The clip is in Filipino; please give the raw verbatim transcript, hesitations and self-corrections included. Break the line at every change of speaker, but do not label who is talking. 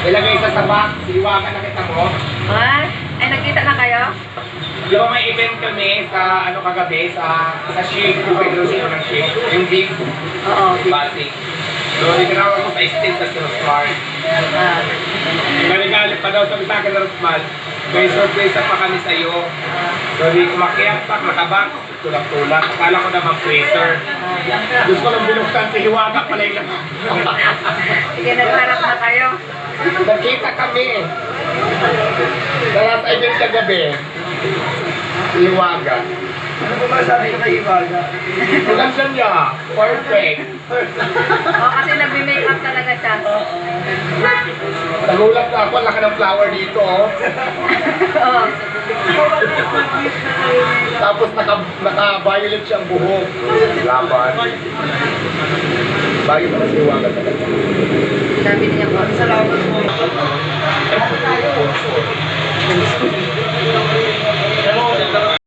Ilagay sa sabak, siwagan na kita mo.
Ah, ay nagkita na kayo?
Di ba may event kami sa ano kagabi, sa sa shake, kung pwede sino ng shake, yung big
Oo.
basic. So, itinawag ko sa estate sa Smart.
Ah.
Galing-galing pa daw sabi sa akin ng Rosmal, may surprise pa kami sa iyo. So, di kumakyat pa, nakabak, tulak-tulak. Akala ko naman freezer. Gusto ko lang binuksan si Hiwaga pala yung naman.
Sige, nagharap na kayo.
Nagkita kami. Dala sa event kagabi. Si Hiwaga.
Ano ba masabi ko kay Ibaga?
Maganda niya. Perfect.
Oo, kasi nagme-makeup talaga siya.
Nagulat na ako, laki ng flower dito. Oh.
Oo.
Tapos naka, naka-violet siyang buhok. Laban. Bagay pa si Hiwaga talaga.
Sabi niya po.
Salamat po.